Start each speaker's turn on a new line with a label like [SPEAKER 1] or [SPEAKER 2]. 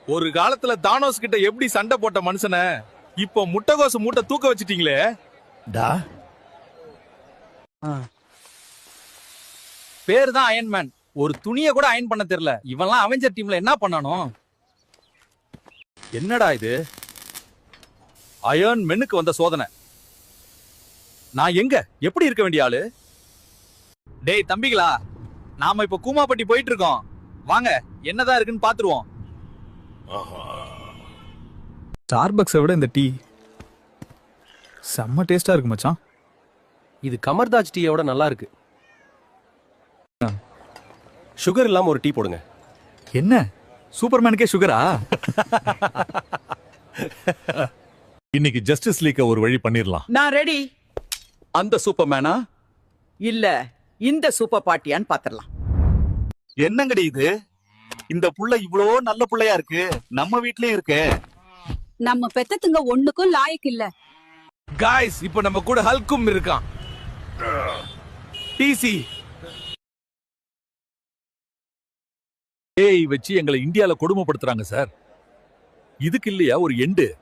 [SPEAKER 1] ஒரு காலத்துல தானோஸ் கிட்ட எப்படி சண்டை போட்ட மனுஷனை இப்போ முட்டைகோசு மூட்டை தூக்க வச்சிட்டீங்களே.
[SPEAKER 2] டா
[SPEAKER 3] பேரு தான் அயன்மேன், ஒரு துணியை கூட அயன் பண்ண தெரியல. இவன்லாம் அவெஞ்சர் டீம்ல என்ன பண்ணானோ?
[SPEAKER 1] என்னடா இது? அயர்ன் மென்னுக்கு வந்த சோதனை. நான் எங்க எப்படி இருக்க வேண்டிய ஆளு? டேய் தம்பிகளா, நாம இப்ப கூமாப்பட்டி போயிட்டு இருக்கோம். வாங்க என்னதான் இருக்குன்னு பாத்துருவோம்.
[SPEAKER 4] ஸ்டார்பக்ஸை விட இந்த டீ செம்ம டேஸ்டா இருக்கு மச்சான்.
[SPEAKER 2] இது கமர்தாஜ் டீயோட நல்லா இருக்கு. சுகர் இல்லாம ஒரு டீ போடுங்க.
[SPEAKER 4] என்ன சூப்பர்மேனுக்கே சுகரா?
[SPEAKER 5] இன்னைக்கு ஜஸ்டிஸ் லீக்க ஒரு வழி பண்ணிரலாம்.
[SPEAKER 6] நான் ரெடி.
[SPEAKER 1] அந்த சூப்பர்மேனா
[SPEAKER 6] இல்ல இந்த சூப்பர் பார்ட்டியான்னு பாத்திரலாம்.
[SPEAKER 1] என்னங்கடி இது? இந்த புள்ள இவ்வளோ நல்ல புள்ளையா இருக்கு, நம்ம வீட்லயே இருக்கு.
[SPEAKER 7] நம்ம பெத்தத்துங்க ஒண்ணுக்கும் லாயக்கு இல்ல.
[SPEAKER 1] காய்ஸ், இப்ப நம்ம கூட ஹல்கும் இருக்கான். டிசி ஏய் வச்சு எங்களை இந்தியால கொடுமைப்படுத்துறாங்க சார். இதுக்கு இல்லையா ஒரு எண்டு?